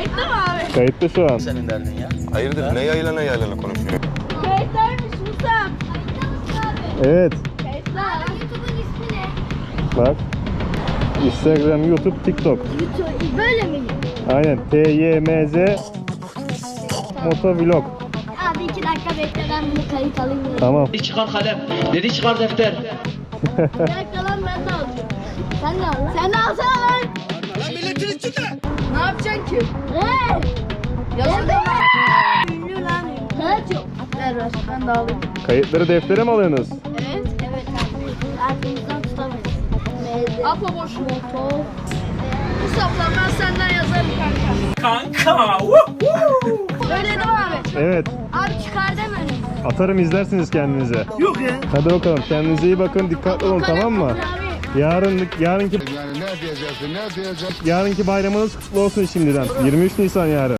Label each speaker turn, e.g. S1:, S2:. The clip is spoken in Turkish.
S1: Kayıtlı mı abi?
S2: Kayıtlı şu an.
S3: Senin derdin ya.
S4: Hayırdır ne yaylana konuşuyor?
S1: Kayıtlıymış Musab.
S2: Evet.
S1: Kayıtlı.
S5: YouTube'un ismi ne?
S2: Bak. Instagram, YouTube, TikTok.
S5: YouTube böyle mi?
S2: Aynen. TYMZ Motovlog.
S5: Abi 2 dakika bekle ben bunu kayıt alayım.
S2: Tamam.
S3: Dedi çıkar kalem. Dedi çıkar defter.
S5: Bir dakika lan ben de alacağım. Sen de al lan. Sen de alsana lan.
S3: Lan milletin içinde.
S1: Ne yapacaksın ki?
S5: Hey!
S1: Yazılı mı?
S5: Ünlü lan. Ne çok?
S1: Ver ver. Ben de alayım.
S2: Kayıtları deftere mi alıyorsunuz?
S1: Evet.
S5: Evet abi. Aklımızdan tutamayız.
S1: Apo boş motor. Musab'la ben senden yazarım kanka.
S3: Kanka.
S1: Öyle değil mi abi?
S2: Evet.
S5: Abi çıkar deme önüme.
S2: Atarım izlersiniz kendinize.
S3: Yok ya.
S2: Hadi bakalım. Kendinize iyi bakın. Dikkatli olun, tamam mı? Yarınki
S4: Yani ne diyeceksin ne diyeceksin?
S2: yarınki bayramınız kutlu olsun şimdiden. 23 Nisan yarın.